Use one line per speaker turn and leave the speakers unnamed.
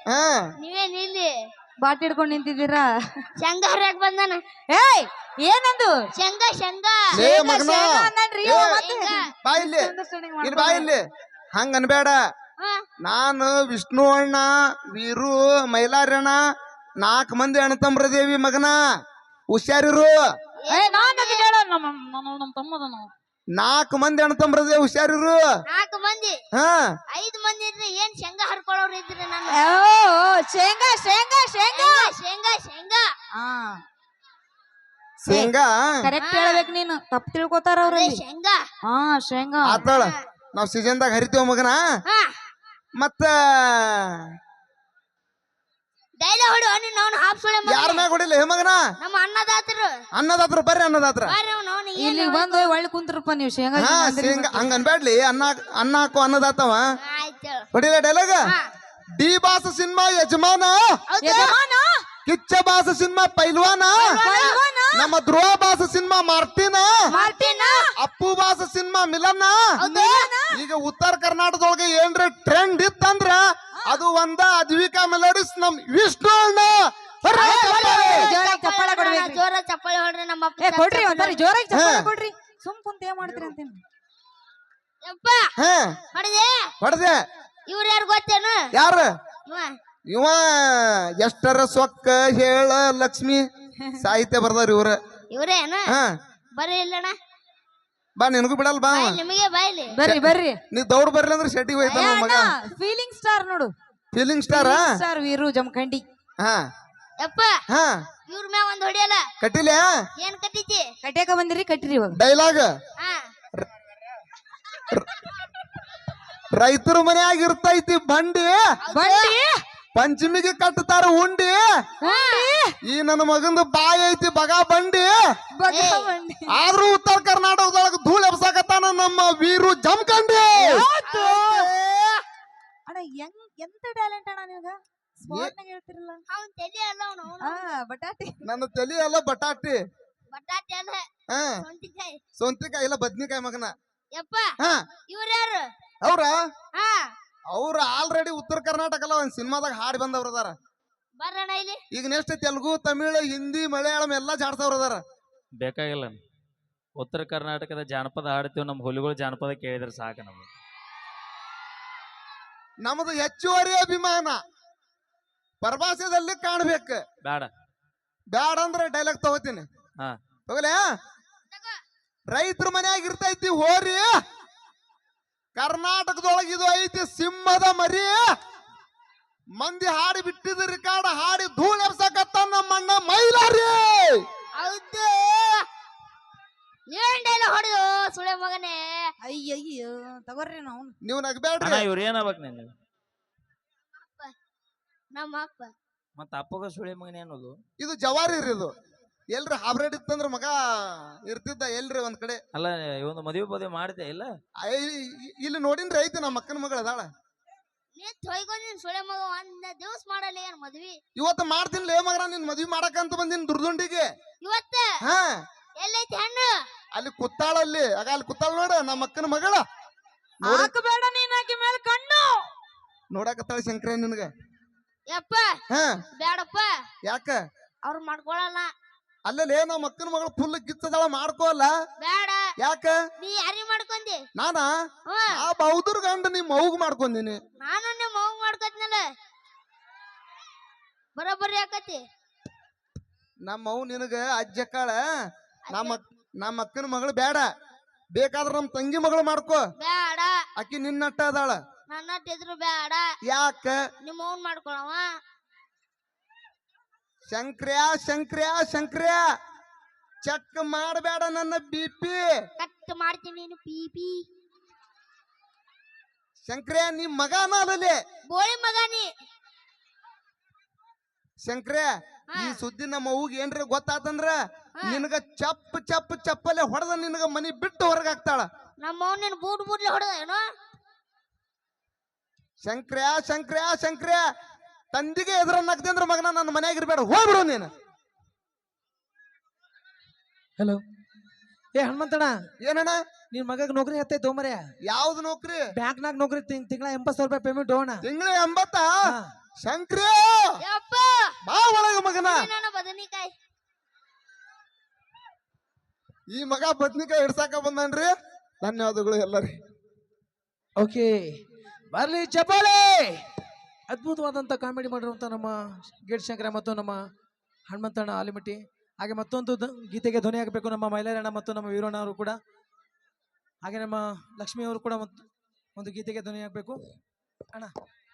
ಹಾ
ನೀವೇನ್ ಇಲ್ಲಿ
ಬಾಟ್ ಹಿಡ್ಕೊಂಡ್ ನಿಂತಿದ್ದೀರಾ?
ಶೇಂಗಾ ಹರಿಯಾಕ್ ಬಂದಾನ.
ಏಯ್ ಏನಂದು?
ಶೇಂಗಾ ಶೇಂಗಾ
ಲೇ ಮಗನ
ಅನ್ನನ್ರಿ
ಏ,
ಮತ್ತೆ
ಬಾ ಇಲ್ಲಿ ಇಲ್ಲಿ ಬಾ ಇಲ್ಲಿ ಹಂಗ ಅನ್ಬೇಡ.
ಹಾ
ನಾನು ವಿಷ್ಣು ಅಣ್ಣ ವೀರು ಮೈಲಾರಣ್ಣ 4 ಮಂದಿ ಅಣ್ಣತಂಬ್ರದೇವಿ ಮಗನ ಹುಷಾರಿರು.
ಏ ನಾನ್ ಅದನ್ನ ಹೇಳೋ ನಮ್ಮ ತಮ್ಮದನು
4 ಮಂದಿ ಅಣ್ಣತಂಬ್ರದೇವಿ ಹುಷಾರಿರು.
4 ಮಂದಿ
ಹಾ
5 ಮಂದಿ ಇದ್ರಿ ಏನ್ ಶೇಂಗಾ ಹರ್ಕೊಳ್ಳೋರು ಇದ್ರಿ ನಾನು.
ಶೇಂಗಾ ಶೇಂಗಾ ಶೇಂಗಾ
ಶೇಂಗಾ ಶೇಂಗಾ
ಹಾ
ಶೇಂಗಾ
ಕರೆಕ್ಟ್ ಹೇಳ್ಬೇಕು ನೀನು, ತಪ್ಪು ತಿಳ್ಕೊತಾರ ಅವ್ರ.
ಅದೇ ಶೇಂಗಾ.
ಹಾ ಶೇಂಗಾ
ಆತಾಳ ನಾವ್ ಸೀಸನ್ದಾಗ ಹರಿತೀವ ಮಗನ.
ಹಾ
ಮತ್ತ
ಡೈಲಾಗ್ ಹೊಡು ನೀನು ಅವನು ಹಾಫ್ ಸುಳೆ
ಯಾರ ಮ್ಯಾಗ ಹೊಡಿಲ್ಲ ಹೇ ಮಗನ.
ನಮ್ಮ ಅನ್ನದಾತರು
ಅನ್ನದಾತ್ರ ಬರ್ರಿ ಅನ್ನದಾತ್ರ.
ಬಾರಿ ಅವನು
ಇಲ್ಲಿ ಬಂದು ಒಳ್ಳೆ ಕುಂತ್ರಪ್ಪ ನೀವು ಶೇಂಗಾ
ಹಾ ಶೇಂಗಾ ಹಂಗ ಅನ್ಬೇಡ್ಲಿ. ಅನ್ನ ಹಾಕೋ ಅನ್ನದಾತವ
ಆಯ್ತು.
ಹೊಡಿಲ್ಲ ಡೈಲಾಗ.
ಹಾ
ಡಿ ಬಾಸ ಸಿನಿಮಾ ಯಜಮಾನ,
ಹೌದು
ಯಜಮಾನ
ಕಿಚ್ಚ ಬಾಸ ಸಿನಿಮಾ ಪೈಲ್ವಾನ,
ಪೈಲ್ವಾನ,
ನಮ್ಮ ಧ್ರುವ ಬಾಸ ಸಿನಿಮಾ ಮಾರ್ಟಿನ,
ಮಾರ್ಟಿನ,
ಅಪ್ಪು ಬಾಸ ಸಿನಿಮಾ ಮಿಲನ್ನ.
ಹೌದು
ಈಗ ಉತ್ತರ ಕರ್ನಾಟಕದೊಳಗೆ ಏನ್ರ ಟ್ರೆಂಡ್ ಇತ್ತಂದ್ರ ಅದು ಒಂದ ಅದ್ವಿಕಾ ಮೆಲೋಡಿಸ್ ನಮ್ ವಿಷ್ಣು ಅಣ್ಣ.
ಜೋರಾಗಿ ಚಪ್ಪಾಳೆ ಕೊಡ್ಬೇಕ್ರಿ.
ಜೋರ ಚಪ್ಪಾಳೆ ಹೊಡ್ರಿ ನಮ್ಮ ಅಪ್ಪ.
ಏ ಕೊಡ್ರಿ ಒಂದ್ಸರಿ ಜೋರಾಗಿ ಚಪ್ಪಾಳೆ ಕೊಡ್ರಿ. ಸುಮ್ ಕುಂತ ಏನ್ ಮಾಡ್ತೀರಿ ಅಂತೀನಿ.
ಯಪ್ಪ
ಹಾ
ಹೊಡೆದೆ.
ಹೊಡೆದೆ.
ಇವ್ರು ಯಾರು ಗೊತ್ತೇನು?
ಯಾರ
ಇವ
ಇವ ಎಷ್ಟರ ಸೊಕ್ಕ ಹೇಳ ಲಕ್ಷ್ಮಿ ಸಾಹಿತ್ಯ ಬರ್ದಾರ ಇವ್ರ.
ಇವ್ರೇನು?
ಹಾ
ಬರ್ರಿ ಇಲ್ಲಣ್ಣ,
ಬಾ ನಿನಗೂ ಬಿಡಲ್ ಬಾ.
ಬಾಯ್ ನಿಮಗೆ ಬಾಯ್ಲಿ.
ಬರ್ರಿ ಬರ್ರಿ.
ನೀ ದೌಡ್ ಬರ್ಲಿ ಅಂದ್ರೆ ಶೆಟ್ಟಿಗೆ ಹೋಯ್ತಾನ ಮಗ.
ಫೀಲಿಂಗ್ ಸ್ಟಾರ್ ನೋಡು,
ಫೀಲಿಂಗ್ ಸ್ಟಾರ.
ಸ್ಟಾರ್ ವೀರು ಜಮಖಂಡಿ.
ಹಾ
ಯಪ್ಪ
ಹಾ
ಇವ್ರ ಮ್ಯಾಗ ಒಂದ್ ಹೊಡಿಯಲ್ಲ.
ಕಟ್ಟಿಲ
ಏನ್ ಕಟ್ಟಿತಿ?
ಕಟ್ಯಾಕ ಬಂದಿರಿ ಕಟ್ಟಿರಿ ಇವಾಗ.
ಡೈಲಾಗ್.
ಹಾ
ರೈತರ ಮನ್ಯಾಗ ಇರ್ತೈತಿ ಬಂಡಿ,
ಬಂಡಿ
ಪಂಚಮಿಗೆ ಕಟ್ಟತಾರ ಉಂಡಿ. ಈ ನನ್ನ ಮಗಂದು ಬಾಯಿ ಐತಿ ಬಗ ಬಂಡಿ.
ಬಗ ಬಂಡಿ.
ಆದ್ರೂ ಉತ್ತರ ಕರ್ನಾಟಕದೊಳಗ ಧೂಳ್ ಎಬ್ಸಾಕತ್ತಾನ ನಮ್ಮ ವೀರು ಜಮಖಂಡಿ.
ಅಣ್ಣ ಎಂತ ಟ್ಯಾಲೆಂಟ್ ಅಣ್ಣ ನಿಮ್ಗ. ಸ್ಮಾರ್ಟ್ನಾಗ ಹೇಳ್ತಿರಲ್ಲ.
ಅವ್ನ್ ತಲಿ ಅಲ್ಲ ಅವನು.
ಬಟಾಟಿ.
ನನ್ನ ತಲಿ ಎಲ್ಲ ಬಟಾಟಿ.
ಬಟಾಟೆ ಅಲ್ಲ,
ಹಾ
ಸೊಂಟಿಕಾಯಿ.
ಸೊಂತಿಕಾಯಿ ಇಲ್ಲ ಬದ್ನಿಕಾಯಿ ಮಗನ.
ಯಪ್ಪ
ಹಾ
ಇವ್ರ ಯಾರು?
ಅವ್ರ
ಹಾ
ಆಲ್ರೆಡಿ ಉತ್ತರ ಕರ್ನಾಟಕ ಅಲ್ಲ ಒಂದ್ ಸಿನಿಮಾದಾಗ ಹಾಡಿ ಬಂದವ್ರ ಅದಾರ.
ಬರ್ರಣ್ಣ ಇಲ್ಲಿ.
ಈಗ ನೆಕ್ಸ್ಟ್ ತೆಲುಗು ತಮಿಳು ಹಿಂದಿ ಮಲಯಾಳಂ ಎಲ್ಲಾ ಜಾಡ್ಸವ್ರ ಅದಾರ.
ಬೇಕಾಗಿಲ್ಲ. ಉತ್ತರ ಕರ್ನಾಟಕದ ಜಾನಪದ ಹಾಡ್ತೀವಿ, ನಮ್ಮ ಹುಲಿಗಳು ಜಾನಪದ ಕೇಳಿದ್ರೆ ಸಾಕು ನಮ್ಗೆ.
ನಮ್ದು ಹೆಚ್ಚುವರಿ ಅಭಿಮಾನ ಪರಭಾಷೆದಲ್ಲಿ ಕಾಣ್ಬೇಕು.
ಬೇಡ
ಬ್ಯಾಡ ಅಂದ್ರೆ ಡೈಲಾಗ್ ತಗೋತೀನಿ.
ಹಾ
ತಗೋಲೆ. ರೈತರ ಮನ್ಯಾಗ ಇರ್ತೈತಿ ಹೋರಿ, ಕರ್ನಾಟಕದೊಳಗ ಇದು ಐತಿ ಸಿಂಹದ ಮರಿ. ಮಂದಿ ಹಾಡಿ ಬಿಟ್ಟಿದ ರಿಕಾರ್ಡ್ ಹಾಡಿ ಧೂಳ್ ಎಬ್ಸಕತ್ತ ನಮ್ಮಣ್ಣ ಮೈಲಾರಿ.
ಹೌದು ಏನ್ ಡೈಲಾಗ್ ಹೊಡೆದು ಸುಳೆ ಮಗನೇ.
ಅಯ್ಯಯ್ಯೋ ತಗೋರಿ ನಾವು.
ನೀವು ನಗಬೇಡ್ರಿ.
ಅಣ್ಣ ಇವ್ರು ಏನಾಗ್ಬೇಕು ನೀನು?
ನಮ್ಮ ಅಪ್ಪ
ಮತ್ತ ಅಪ್ಪಗ ಸುಳಿ ಮಗನ ಅನ್ನೋದು.
ಇದು ಜವಾರಿ ರೀ. ಇದು ಎಲ್ರಿ ಹಾಬ್ರೇಡ್ ಇತ್ತಂದ್ರ ಮಗ ಇರ್ತಿದ್ದ ಎಲ್ರಿ ಒಂದ್ ಕಡೆ.
ಅಲ್ಲ ಇವೊಂದು ಮದುವೆ ಪದವಿ ಮಾಡಿದೆ ಇಲ್ಲ?
ಇಲ್ಲಿ ನೋಡಿನ್ರಿ ಐತಿ ನಮ್ಮ ಅಕ್ಕನ ಮಗಳ ಅದಾಳ.
ನೀನ್ ತೊಯ್ಕೊಂಡಿನ್ ಸುಳೆ ಮಗ. ಒಂದ್ ದಿವಸ ಮಾಡಲ್ಲ ಏನ್ ಮದ್ವಿ?
ಇವತ್ತು ಮಾಡ್ತೀನಿ ಲೇ ಮಗನ, ನಿನ್ ಮದ್ವಿ ಮಾಡಕಂತ ಬಂದಿನ್ ದುರ್ದುಂಡಿಗೆ.
ಇವತ್ತ
ಹಾ
ಎಲ್ಲೈತಿ ಹಣ್ಣು?
ಅಲ್ಲಿ ಕುತ್ತಾಳಲ್ಲಿ ಆಗ ಅಲ್ಲಿ ಕುತ್ತಾಳ ನೋಡ ನಮ್ಮ ಅಕ್ಕನ ಮಗಳ.
ಹಾಕಬೇಡ ನೀನ್ ಆಕಿ ಮೇಲೆ ಕಣ್ಣು.
ನೋಡಕತ್ತಾಳ ಶಂಕರ ನಿನ್ಗ.
ಯಪ್ಪ
ಹಾ
ಬ್ಯಾಡಪ್ಪ,
ಯಾಕ?
ಅವ್ರು ಮಾಡ್ಕೊಳಲ್ಲ.
ಅಲ್ಲೇ ನಮ್ಮ ಅಕ್ಕನ ಮಗಳು ಫುಲ್ ಗಿಚ್ಚದಾಳ ಮಾಡ್ಕೋಲ್ಲ.
ಬೇಡ.
ಯಾಕ?
ನೀ ಯಾರಿ ಮಾಡ್ಕೊಂಡಿ?
ನಾನಾ
ಹ್ಮ್
ಆ ಬೌದ್ಧರ್ ಗಂಡ ನಿಮ್ ಮೌಗ್ ಮಾಡ್ಕೊಂದಿನಿ.
ನಾನು ನಿಮ್ಮ ಮಗು ಮಾಡ್ಕೊತ್ನಲ್ಲ, ಬರೋಬ್ಬರಿ ಆಕತಿ.
ನಮ್ಮ ಮೌ ನಿನಗ ಅಜ್ಜಕ್ಕಾಳ. ನಮ್ಮ ಅಕ್ಕನ ಮಗಳು ಬೇಡ. ಬೇಕಾದ್ರ ನಮ್ ತಂಗಿ ಮಗಳು ಮಾಡ್ಕೋ.
ಬೇಡ.
ಅಕ್ಕಿ ನಿನ್ನಟ್ಟ ಅದಾಳ.
ನನ್ನ ಇದ್ರು ಬೇಡ.
ಯಾಕ?
ನಿಮ್ಮ ಮೌನ್ ಮಾಡ್ಕೊಳವ.
ಶಂಕ್ರ್ಯಾ ಶಂಕ್ರ್ಯಾ ಶಂಕ್ರ್ಯಾ ಚೆಕ್ ಮಾಡಬೇಡ ನನ್ನ BP.
ಕಟ್ ಮಾಡ್ತೀನಿ ನೀನು ಪೀಪಿ.
ಶಂಕ್ರ್ಯಾ ನಿಮ್ ಮಗನ ಅಲ್ಲೇ
ಬೋಳಿ ಮಗ ನೀ.
ಶಂಕ್ರ್ಯಾ ಈ ಸುದ್ದಿ ನಮ್ಮ ಅವ್ಗ ಏನ್ರಿ ಗೊತ್ತಾತಂದ್ರ ನಿನಗ ಚಪ್ ಚಪ್ ಚಪ್ಪಲೆ ಹೊಡೆದ ನಿನಗ ಮನಿ ಬಿಟ್ಟು ಹೊರಗಾಕ್ತಾಳ.
ನಮ್ಮ ಮೌನ್ ಬೂಟ್ ಬೂಟ್ಲೆ ಹೊಡೆದ ಏನೋ.
ಶಂಕ್ರ್ಯಾ ಶಂಕ್ರ್ಯಾ ಶಂಕ್ರ್ಯಾ ತಂದಿಗೆ ಎದುರನ್ನಾಗ್ತಿ ಅಂದ್ರ ಮಗನ ನನ್ನ ಮನ್ಯಾಗ ಇರ್ಬೇಡ, ಹೋಗ್ಬಿಡು ನೀನು.
ಹಲೋ ಏ ಹನುಮಂತಣ್ಣ,
ಏನಣ್ಣ
ನಿನ್ ಮಗಗ್ ನೌಕರಿ ಹತ್ತೈತೆ ಮರ್ಯ.
ಯಾವ್ದು ನೌಕರಿ?
ಬ್ಯಾಂಕ್ನಾಗ ನೌಕರಿ ತಿಂಗಳ 80,000 ರೂಪಾಯಿ ಪೇಮೆಂಟ್ ಹೋಗೋಣ.
ತಿಂಗಳ 80? ಶಂಕ್ರಿ
ಯಪ್ಪ
ಬಾ ಒಳಗ ಮಗನ.
ನನ್ನ ಬದನಿಕಾಯಿ.
ಈ ಮಗ ಬದ್ನಿಕಾಯಿ ಹಿಡ್ಸಾಕ ಬಂದನ್ರಿ. ಧನ್ಯವಾದಗಳು ಎಲ್ಲರಿ.
ಓಕೆ ಬರ್ಲಿ ಚಪ್ಪಾಳೆ. ಅದ್ಭುತವಾದಂಥ ಕಾಮಿಡಿ ಮಾಡಿರುವಂಥ ನಮ್ಮ ಗೇಟ್ ಶಂಕರ ಮತ್ತು ನಮ್ಮ ಹನುಮಂತಣ್ಣ ಆಲಿಮಟ್ಟಿ. ಹಾಗೆ ಮತ್ತೊಂದು ಗೀತೆಗೆ ಧ್ವನಿ ಆಗಬೇಕು ನಮ್ಮ ಮೈಲಾರಣ್ಣ ಮತ್ತು ನಮ್ಮ ವೀರಣ್ಣ ಅವರು ಕೂಡ. ಹಾಗೆ ನಮ್ಮ ಲಕ್ಷ್ಮಿ ಅವರು ಕೂಡ ಒಂದು ಗೀತೆಗೆ ಧ್ವನಿ ಆಗಬೇಕು ಅಣ್ಣ.